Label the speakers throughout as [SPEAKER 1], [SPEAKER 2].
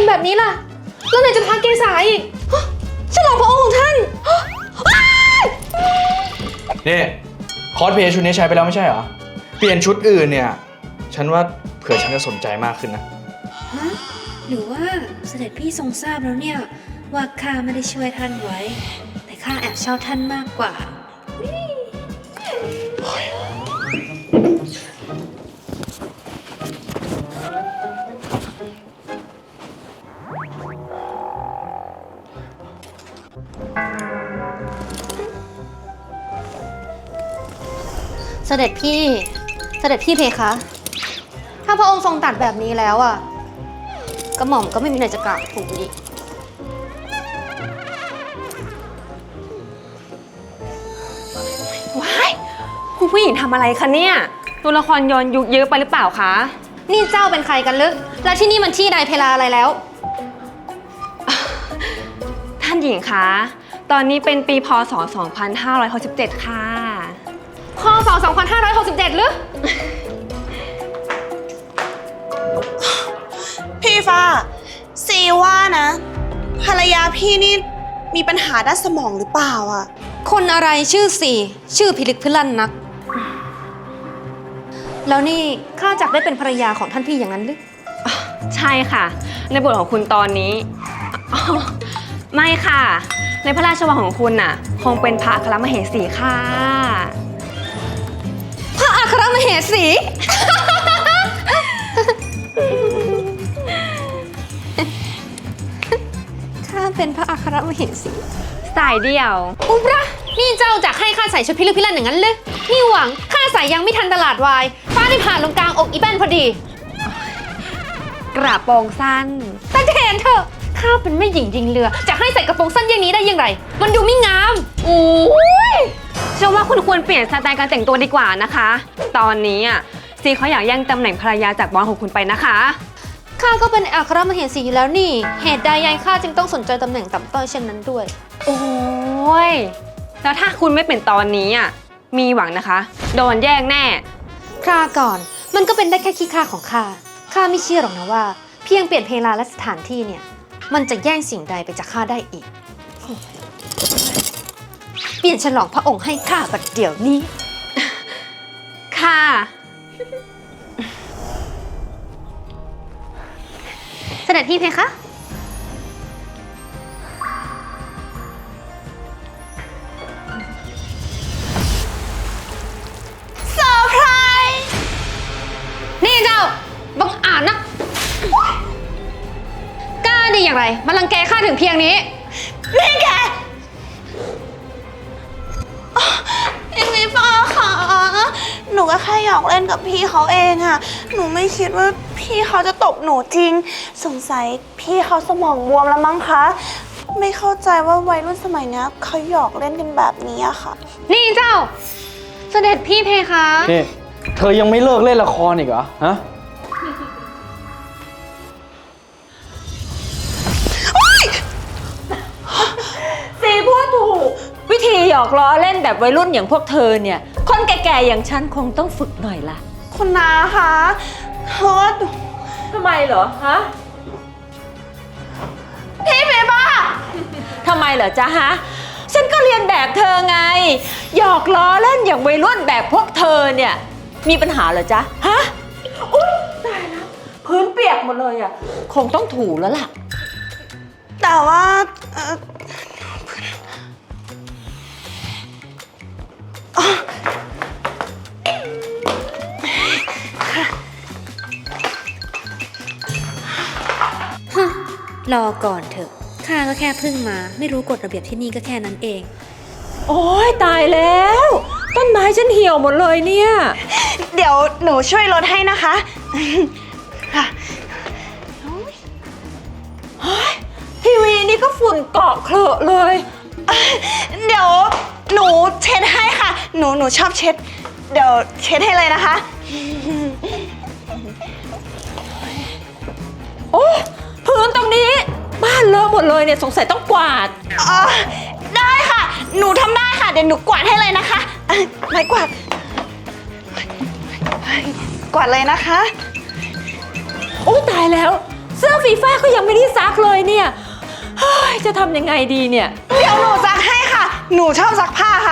[SPEAKER 1] แบบนี้ล่ะแล้วไหนจะพาเกษาอีกฉลองพระองค์ของท่าน
[SPEAKER 2] นี่คอสเพลย์ชุดนี้ใช้ไปแล้วไม่ใช่เหรอเปลี่ยนชุดอื่นเนี่ยฉันว่าเผื่อฉันจะสนใจมากขึ้นนะ
[SPEAKER 1] ฮะหรือว่าเสด็จพี่ทรงทราบแล้วเนี่ยว่าข้าไม่ได้ช่วยท่านไว้แต่ข้าแอบชอบท่านมากกว่าเสด็จพี่เพคะถ้าพระองค์ทรงตัดแบบนี้แล้วอ่ะกระหม่อมก็ไม่มีอะไรจะกล่าวถูกอีก
[SPEAKER 3] ว้ายคุณผู้หญิงทำอะไรคะเนี่ยตัวละครย้อนยุคเยอะไปหรือเปล่าคะ
[SPEAKER 1] นี่เจ้าเป็นใครกันลึกและที่นี่มันที่ใดเพลาอะไรแล้ว
[SPEAKER 3] ท่านหญิงคะตอนนี้เป็นปีพ.ศ. 2567ค่ะ
[SPEAKER 1] พ.ศ. 2567หรือ
[SPEAKER 4] พี่ฟ้าซีว่านะภรรยาพี่นี่มีปัญหาด้านสมองหรือเปล่าอ่ะ
[SPEAKER 1] คนอะไรชื่อสี่ชื่อพิลึกพิลั่นนักแล้วนี่ข้าจักได้เป็นภรรยาของท่านพี่อย่างนั้นหรือ
[SPEAKER 3] ใช่ค่ะในบทของคุณตอนนี้ไม่ค่ะในพระราชวังของคุณน่ะคงเป็นพระอัครมเหสีค่ะ
[SPEAKER 1] พระอัครมเหสี ข้าเป็นพระอัครมเหสี
[SPEAKER 3] สายเดี่ยว
[SPEAKER 1] อุบระนี่เจ้าจักให้ข้าใส่ชุดพิลึกพิลั่นอย่างนั้นเลยนี่หวังข้าใส่ยังไม่ทันตลาดวายฟ้าได้ผ่านลงกลางอกอีแป้นพอดี
[SPEAKER 3] กระโปรงสั้น
[SPEAKER 1] แต่เห็นเถอะข้าเป็นแม่หญิงยิงเรือจะให้ใส่กระโปรงสั้นอย่างนี้ได้ยังไงมันดูไม่งาม
[SPEAKER 3] โอ้ยเชื่อว่าคุณควรเปลี่ยนสไตล์การแต่งตัวดีกว่านะคะตอนนี้อ่ะซีเขาอยากแย่งตำแหน่งภรรยาจากบอสของคุณไปนะคะ
[SPEAKER 1] ข้าก็เป็นอัครมเหสีอยู่แล้วนี่เหตุใดยายข้าจึงต้องสนใจตำแหน่งต่ำต้อยเช่นนั้นด้วย
[SPEAKER 3] โอ้ยแล้วถ้าคุณไม่เป็นตอนนี้อ่ะมีหวังนะคะโดนแย่งแน่
[SPEAKER 1] คราก่อนมันก็เป็นได้แค่ขี้ข้าของข้าไม่เชื่อหรอกนะว่าเพียงเปลี่ยนเพลาและสถานที่เนี่ยมันจะแย่งสิ่งใดไปจากข้าได้อีกเปลี่ยนฉลองพระองค์ให้ข้าบัดเดี๋ยวนี้
[SPEAKER 3] ค่ะ
[SPEAKER 1] เสด็จพี่เพคะ
[SPEAKER 4] เซอร์ไพรส์
[SPEAKER 1] นี่เจ้าบังอาจนักกล้าดีอย่างไรมารังแกข้าถึงเพียงนี้
[SPEAKER 4] นี่แกพี่ฟ้าค่ะหนูก็แค่หยอกเล่นกับพี่เขาเองอะหนูไม่คิดว่าพี่เขาจะตบหนูจริงสงสัยพี่เขาสมองบวมแล้วมั้งคะไม่เข้าใจว่าวัยรุ่นสมัยนี้เขาหยอกเล่นกันแบบนี้อะค่ะ
[SPEAKER 1] นี่เจ้าเสด็จพี่เพคะ
[SPEAKER 2] นี่เธอยังไม่เลิกเล่นละครอีกเหรอฮะ
[SPEAKER 5] ซีพูดถูกวิธีหยอกล้อเล่นแบบวัยรุ่นอย่างพวกเธอเนี่ยคนแก่ๆอย่างฉันคงต้องฝึกหน่อยละ
[SPEAKER 4] คุณนาคะเพราะว่า
[SPEAKER 5] ทำไมเหรอฮะ
[SPEAKER 4] พี่เบบ้า
[SPEAKER 5] ทำไมเหรอจ๊ะฮะฉันก็เรียนแบบเธอไงหยอกล้อเล่นอย่างวัยรุ่นแบบพวกเธอเนี่ยมีปัญหาเหรอจ๊ะฮะอุ๊ยตายแล้วพื้นเปียกหมดเลยอ่ะคงต้องถูแล้วล่ะ
[SPEAKER 4] แต่ว่า
[SPEAKER 1] รอก่อนเถอะข้าก็แค่เพิ่งมาไม่รู้กฎระเบียบที่นี่ก็แค่นั้นเอง
[SPEAKER 5] โอ๊ยตายแล้วต้นไม้ฉันเหี่ยวหมดเลยเนี่ย
[SPEAKER 4] เดี๋ยวหนูช่วยลดให้นะคะค่ะ
[SPEAKER 5] ทีวีนี่ก็ฝุ่นเกาะเคลอะเลย
[SPEAKER 4] เดี๋ยวหนูเช็ดให้ค่ะหนูชอบเช็ดเดี๋ยวเช็ดให้เลยนะคะ
[SPEAKER 5] โอ้พื้นตรงนี้บ้านเลอะหมดเลยเนี่ยสงสัยต้องกวาด
[SPEAKER 4] ได้ค่ะหนูทำได้ค่ะเดี๋ยวหนูกวาดให้เลยนะคะไม้กวาดกวาดเลยนะคะ
[SPEAKER 5] โอ้ตายแล้วเสื้อฟีฟ้าก็ยังไม่ได้ซักเลยเนี่ยเฮ้ยจะทำยังไงดีเนี่ย
[SPEAKER 4] เดี๋ยวหนูซักให้ค่ะ หนูชอบซักผ้าค่ะ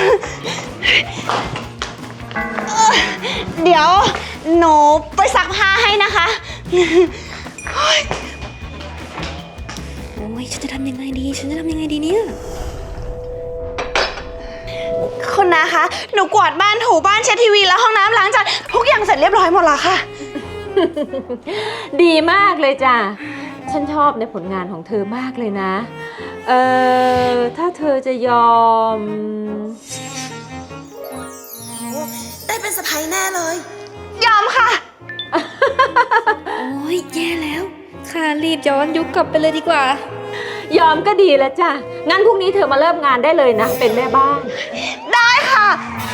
[SPEAKER 4] เดี๋ยวหนูไปซักผ้าให้นะคะ
[SPEAKER 1] โอ้ยฉันจะทำยังไงดี ฉันจะทำยังไงดีเนี่ย
[SPEAKER 4] คุณนะคะ หนูกวาดบ้านถูบ้านเช็ดทีวีแล้วห้องน้ำล้างจานทุกอย่างเสร็จเรียบร้อยหมดแล้วค่ะ
[SPEAKER 5] ดีมากเลยจ้ะ ฉันชอบในผลงานของเธอมากเลยนะ ถ้าเธอจะยอม
[SPEAKER 4] ได้เป็นสะพ้ายแน่เลย ยอมค่ะ
[SPEAKER 1] โอ้ยแย่แล้ว ค่ะรีบย้อนยุคกลับไปเลยดีกว่า
[SPEAKER 5] ยอมก็ดีแล้วจ้ะ งั้นพรุ่งนี้เธอมาเริ่มงานได้เลยนะ เป็นแม่บ้าน
[SPEAKER 4] ได้ค่ะ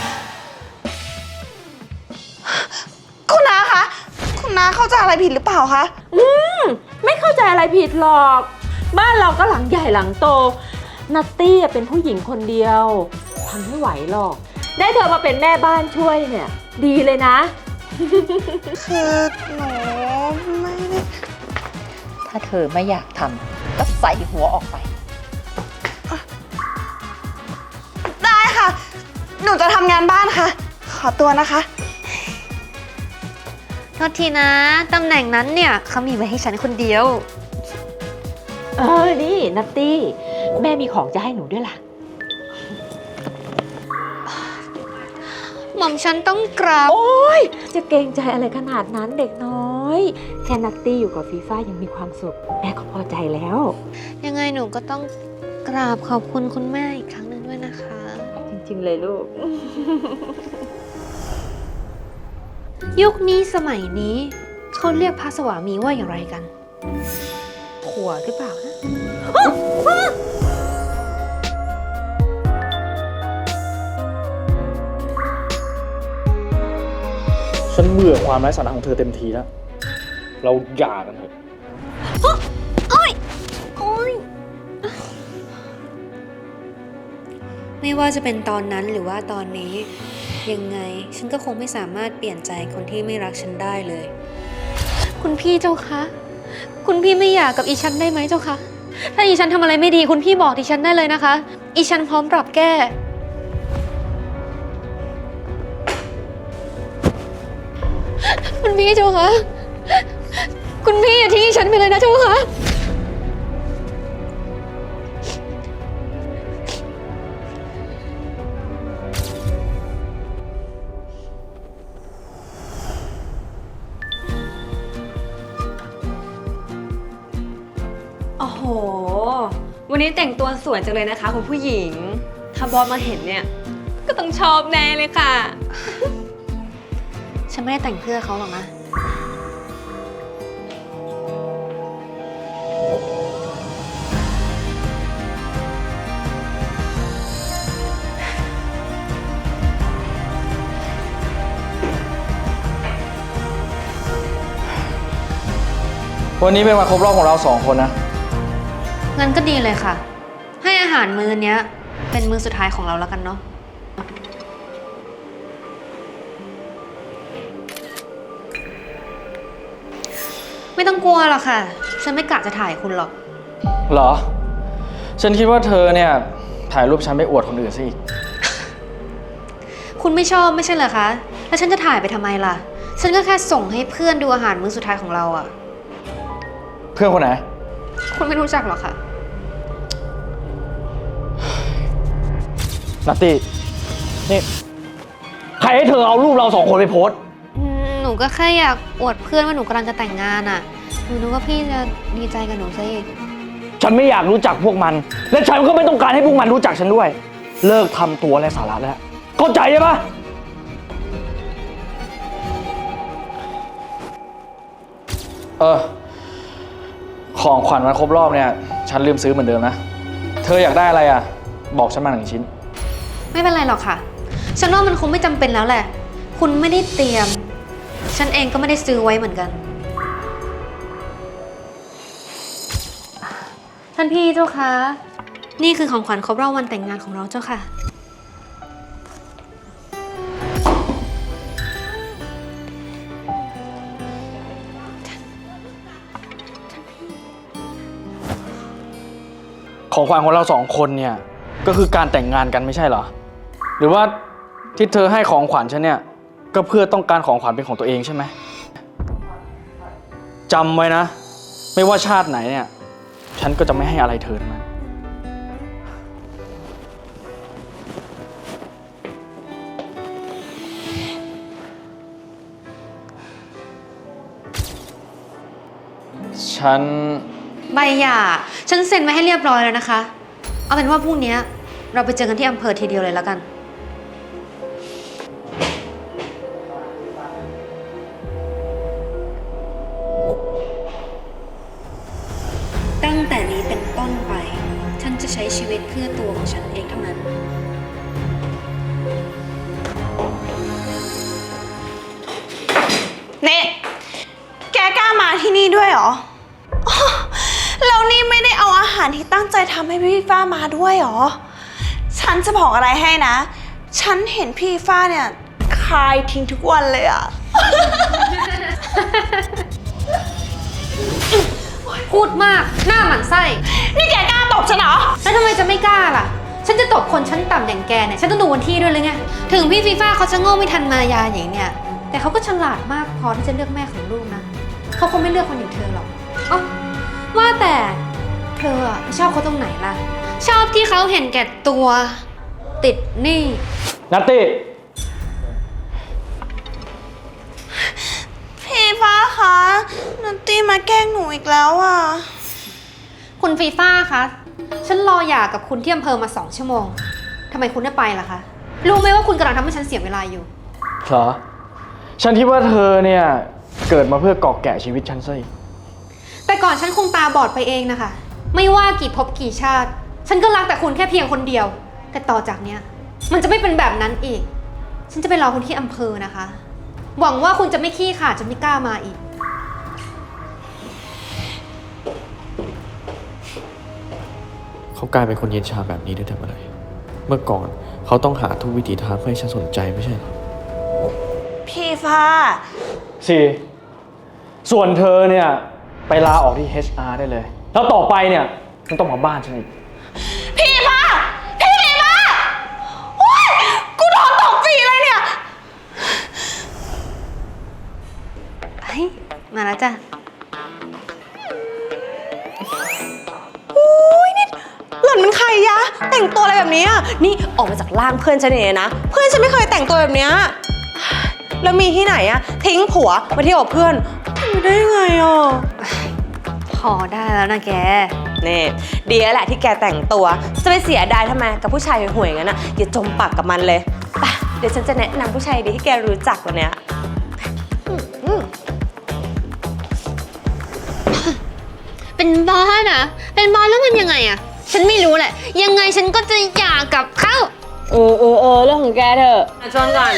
[SPEAKER 4] คุณน้าคะ คุณน้าเข้าใจอะไรผิดหรือเปล่าคะ
[SPEAKER 5] ไม่เข้าใจอะไรผิดหรอก บ้านเราก็หลังใหญ่หลังโต นัตตี้เป็นผู้หญิงคนเดียวทำไม่ไหวหรอก ได้เธอมาเป็นแม่บ้านช่วยเนี่ย ดีเลยนะ
[SPEAKER 4] คือหนูไม่ได้
[SPEAKER 6] ถ้าเธอไม่อยากทำก็ใส่หัวออกไป
[SPEAKER 4] ได้ค่ะ หนูจะทำงานบ้านค่ะ ขอตัวนะคะ
[SPEAKER 1] โทษทีนะ ตำแหน่งนั้นเนี่ยเขามีไว้ให้ฉันคนเดียว
[SPEAKER 5] นี่นัตตี้ แม่มีของจะให้หนูด้วยล่ะ
[SPEAKER 1] หม่อมฉันต้องกราบ
[SPEAKER 5] โอ๊ย จะเกรงใจอะไรขนาดนั้นเด็กน้อย แค่นัตตี้อยู่กับฟีฟ่ายังมีความสุข แม่ก็พอใจแล้ว
[SPEAKER 1] ยังไงหนูก็ต้องกราบขอบคุณคุณแม่อีกครั้งหนึ่งด้วยนะคะ
[SPEAKER 5] จริงๆเลยลูก
[SPEAKER 1] ยุคนี้สมัยนี้เขาเรียกพระสวามีว่าอย่างไรกัน ผัวหรือเปล่านะ
[SPEAKER 2] ฉันเบื่อความไร้สาระของเธอเต็มทีแล้ว เราหย่ากันเถอะ
[SPEAKER 1] โอ๊ยไม่ว่าจะเป็นตอนนั้นหรือว่าตอนนี้ ยังไงฉันก็คงไม่สามารถเปลี่ยนใจคนที่ไม่รักฉันได้เลย คุณพี่เจ้าคะ คุณพี่ไม่อยากกับอีฉันได้ไหมเจ้าคะ ถ้าอีฉันทำอะไรไม่ดีคุณพี่บอกดิฉันได้เลยนะคะ อีฉันพร้อมปรับแก้ คุณพี่เจ้าคะ คุณพี่อย่าทิ้งอีฉันไปเลยนะเจ้าคะ
[SPEAKER 3] โอ้โห วันนี้แต่งตัวสวยจังเลยนะคะคุณผู้หญิง ถ้าบอสมาเห็นเนี่ย ก็ต้องชอบแน่เลยค่ะ
[SPEAKER 1] ฉันไม่ได้แต่งเพื่อเขาหรอกนะ
[SPEAKER 2] วันนี้เป็นวันครบรอบของเรา2 คนนะ
[SPEAKER 1] งั้นก็ดีเลยค่ะ ให้อาหารมื้อเนี้ย เป็นมื้อสุดท้ายของเราแล้วกันเนาะ ไม่ต้องกลัวหรอกค่ะ ฉันไม่กะจะถ่ายคุณหรอก
[SPEAKER 2] เหรอ ฉันคิดว่าเธอเนี่ย ถ่ายรูปฉันไปอวดคนอื่นซะอีก
[SPEAKER 1] คุณไม่ชอบไม่ใช่เหรอคะ แล้วฉันจะถ่ายไปทำไมล่ะ ฉันก็แค่ส่งให้เพื่อนดูอาหารมื้อสุดท้ายของเราอะ
[SPEAKER 2] เพื่อนคนไหน
[SPEAKER 1] คุณไม่รู้จักหรอกค่ะ
[SPEAKER 2] นัตตี้ นี่ ใครให้เธอเอารูปเรา2 คนไปโพสต์
[SPEAKER 1] หนูก็แค่อยากอวดเพื่อนว่าหนูกำลังจะแต่งงานอะหนูนึกว่าพี่จะดีใจกับหนูซะอีก
[SPEAKER 2] ฉันไม่อยากรู้จักพวกมัน และฉันก็ไม่ต้องการให้พวกมันรู้จักฉันด้วย เลิกทำตัวไร้สาระแล้วเข้าใจใช่ปะของขวัญวันครบรอบเนี่ย ฉันลืมซื้อเหมือนเดิมนะ เธออยากได้อะไรอ่ะ บอกฉันมา1 ชิ้น
[SPEAKER 1] ไม่เป็นไรหรอกค่ะ ฉันว่ามันคงไม่จำเป็นแล้วแหละ คุณไม่ได้เตรียม ฉันเองก็ไม่ได้ซื้อไว้เหมือนกัน ท่านพี่เจ้าคะ นี่คือของขวัญครบรอบวันแต่งงานของเราเจ้าค่ะ
[SPEAKER 2] ของขวัญของเราสองคนเนี่ยก็คือการแต่งงานกันไม่ใช่เหรอ หรือว่าที่เธอให้ของขวัญฉันเนี่ยก็เพื่อต้องการของขวัญเป็นของตัวเองใช่ไหมจำไว้นะ ไม่ว่าชาติไหนเนี่ยฉันก็จะไม่ให้อะไรเธอทั้งนั้นฉัน
[SPEAKER 1] ใบหย่าฉันเซ็นไว้ให้เรียบร้อยแล้วนะคะ เอาเป็นว่าพรุ่งนี้เราไปเจอกันที่อำเภอทีเดียวเลยแล้วกัน ตั้งแต่นี้เป็นต้นไป ฉันจะใช้ชีวิตเพื่อตัวของฉันเองเท่านั้น
[SPEAKER 4] เน่แกกล้ามาที่นี่ด้วยเหรออ๋อแล้วนี่ไม่ได้เอาอาหารที่ตั้งใจทำให้พี่ฟ้ามาด้วยเหรอ ฉันจะบอกอะไรให้นะ ฉันเห็นพี่ฟ้าเนี่ยคายทิ้งทุกวันเลยอะ
[SPEAKER 1] พูดมาก หน้าหมันไส้
[SPEAKER 4] นี่แกกล้าตบฉันเหรอ
[SPEAKER 1] แล้วทำไมจะไม่กล้าล่ะ ฉันจะตบคนชั้นต่ำอย่างแกเนี่ย ฉันต้องดูวันที่ด้วยเลยไง ถึงพี่ฟีฟ่าเขาจะโง่ไม่ทันมายาอย่างเนี่ย แต่เขาก็ฉลาดมากพอที่จะเลือกแม่ของลูกนะ เขาคงไม่เลือกคนอย่างเธอหรอกอ๋อว่าแต่เธออะชอบเขาตรงไหนล่ะ ชอบที่เขาเห็นแก่ตัว ติดหนี้
[SPEAKER 2] นัตตี้
[SPEAKER 4] พี่ฟ้าคะนัตตี้มาแกล้งหนูอีกแล้วอะ
[SPEAKER 1] คุณฟีฟ่าคะ ฉันรอหย่ากับคุณที่อำเภอมา2 ชั่วโมง ทำไมคุณไม่ไปล่ะคะ รู้ไหมว่าคุณกำลังทำให้ฉันเสียเวลาอยู่
[SPEAKER 2] เหรอ ฉันคิดว่าเธอเนี่ยเกิดมาเพื่อกอกแกะชีวิตฉันซะอีก
[SPEAKER 1] แต่ก่อนฉันคงตาบอดไปเองนะคะ ไม่ว่ากี่ภพกี่ชาติ ฉันก็รักแต่คุณแค่เพียงคนเดียว แต่ต่อจากเนี้ยมันจะไม่เป็นแบบนั้นอีก ฉันจะไปรอคุณที่อำเภอนะคะ หวังว่าคุณจะไม่ขี้ขลาดจนไม่กล้ามาอีก
[SPEAKER 7] เขากลายเป็นคนเย็นชาแบบนี้ได้แต่เมื่อไหร่เมื่อก่อนเขาต้องหาทุกวิถีทางเพื่อให้ฉันสนใจไม่ใช่เหรอ
[SPEAKER 4] พี่ฟ้า
[SPEAKER 2] ส่วนเธอเนี่ยไปลาออกที่ HR ได้เลย แล้วต่อไปเนี่ยไม่ต้องมาบ้านฉันอีก
[SPEAKER 4] พี่ฟ้า พี่ฟ้าโอ๊ยกูโดนตบฟรีเลยเนี่ย
[SPEAKER 1] เฮ้ย มาแล้วจ้ะ
[SPEAKER 8] หล่อนมันใครยะ แต่งตัวอะไรแบบนี้อ่ะนี่ออกมาจากร่างเพื่อนฉันเองนะ เพื่อนฉันไม่เคยแต่งตัวแบบเนี้ยแล้วมีที่ไหนอะทิ้งผัวมาเที่ยวกับเพื่อนทำได้ยังไงอ่ะ
[SPEAKER 1] พอได้แล้วนะแก
[SPEAKER 8] นี่ดีแล้วแหละที่แกแต่งตัว จะไปเสียดายทำไมกับผู้ชายห่วยๆอย่างนั้นอะอย่าจมปากกับมันเลยไปเดี๋ยวฉันจะแนะนำผู้ชายดีที่แกรู้จักวันเนี้ย
[SPEAKER 1] เป็นบ้านะเป็นบ้าแล้วมันยังไงอะฉันไม่รู้แหละ ยังไงฉันก็จะหย่ากับเขา
[SPEAKER 3] เรื่องของแกเถอะชวนก่อน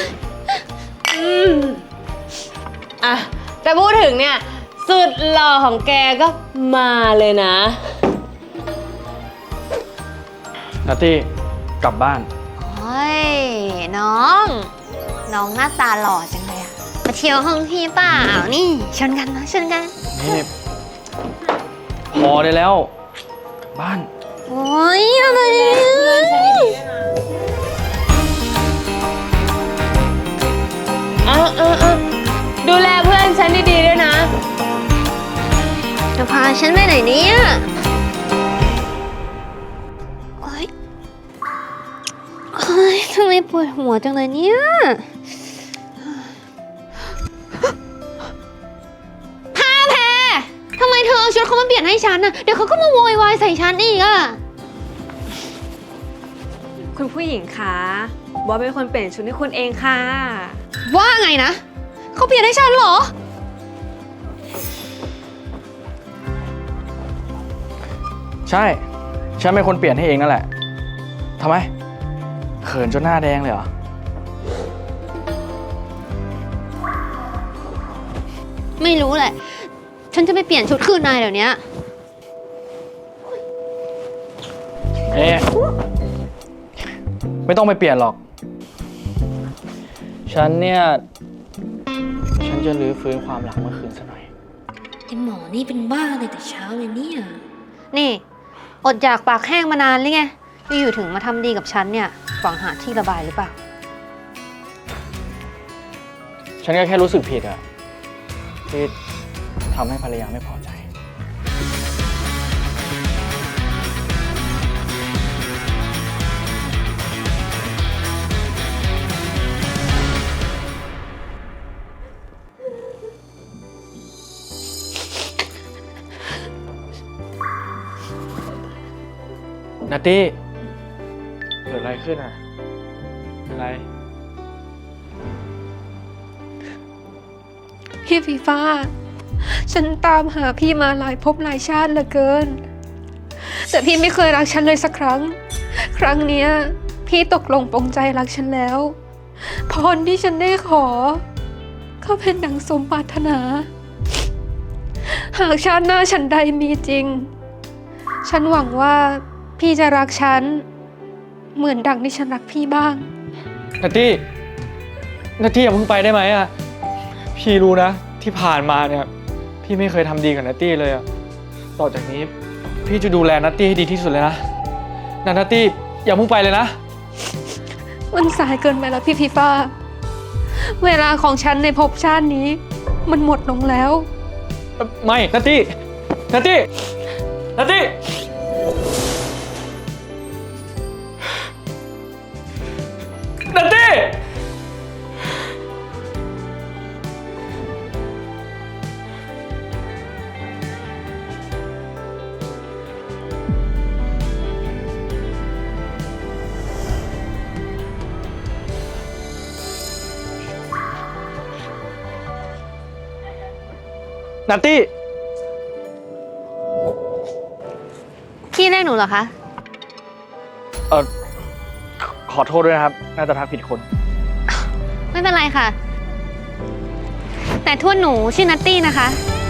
[SPEAKER 3] อ่ะแต่พูดถึงเนี่ย สุดหล่อของแกก็มาเลยนะ
[SPEAKER 2] นัตตี้กลับบ้าน
[SPEAKER 1] โอ้ย น้อง น้องหน้าตาหล่อจังเลยอะมาเที่ยวห้องพี่เปล่า นี่ชนกันนะชนกัน
[SPEAKER 2] นี่พอได้แล้วกลับบ้าน
[SPEAKER 1] โอ้ยอะไรเนี่ย
[SPEAKER 3] ดูแลเพื่อนฉันดีๆด้วยนะ
[SPEAKER 1] จะพาฉันไปไหนเนี่ยโอ๊ยโอ๊ยทำไมปวดหัวจังเลยเนี่ยพาแพรทำไมเธอเอาชุดเขามาเปลี่ยนให้ฉันน่ะ เดี๋ยวเขาก็มาโวยวายใส่ฉันอีกอะ
[SPEAKER 3] คุณผู้หญิงคะบอสเป็นคนเปลี่ยนชุดให้คุณเองค่ะ
[SPEAKER 1] ว่าไงนะ เขาเปลี่ยนให้ฉันเหรอ
[SPEAKER 2] ใช่ ฉันเป็นคนเปลี่ยนให้เองนั่นแหละทำไมเขินจนหน้าแดงเลยเหรอ
[SPEAKER 1] ไม่รู้แหละ ฉันจะไปเปลี่ยนชุดคืนนายเดี๋ยวนี้
[SPEAKER 2] เอ๊ะไม่ต้องไปเปลี่ยนหรอก ฉันเนี่ย ฉันจะรื้อฟื้นความหลังเมื่อคืนซะหน่อย
[SPEAKER 1] ไอหมอนี่เป็นบ้าเลยแต่เช้าเลยเนี่ย นี่อดอยากปากแห้งมานานหรือไงอยู่ๆถึงมาทำดีกับฉันเนี่ยหวังหาที่ระบายหรือเปล่า
[SPEAKER 2] ฉันก็แค่รู้สึกผิดอะที่ทำให้ภรรยาไม่พอใจ นัตตี้เกิดอะไรขึ้นอ่ะเป็นไร
[SPEAKER 1] พี่ฟีฟ้า ฉันตามหาพี่มาหลายภพหลายชาติเหลือเกิน แต่พี่ไม่เคยรักฉันเลยสักครั้ง ครั้งเนี้ยพี่ตกลงปรงใจรักฉันแล้ว พรที่ฉันได้ขอ ก็เป็นดังสมปรารถนา หากชาติหน้าฉันใดมีจริง ฉันหวังว่าพี่จะรักฉัน เหมือนดังที่ฉันรักพี่บ้าง
[SPEAKER 2] นัตตี้อย่าเพิ่งไปได้ไหมอ่ะ พี่รู้นะที่ผ่านมาเนี่ย พี่ไม่เคยทำดีกับนัตตี้เลยอ่ะ ต่อจากนี้พี่จะดูแลนัตตี้ให้ดีที่สุดเลยนะนัตตี้อย่าเพิ่งไปเลยนะ
[SPEAKER 1] มันสายเกินไปแล้วพี่ฟีฟ้า เวลาของฉันในภพชาตินี้ มันหมดลงแล้ว
[SPEAKER 2] ไม่นัตตี้นัตตี้นัตตี้นัตตี้ นัตตี้
[SPEAKER 1] พี่เรียกหนูเหรอคะ
[SPEAKER 2] ขอโทษด้วยนะครับ น่าจะทักผิดคน
[SPEAKER 1] ไม่เป็นไรค่ะ แต่ทวดหนูชื่อนัตตี้นะคะ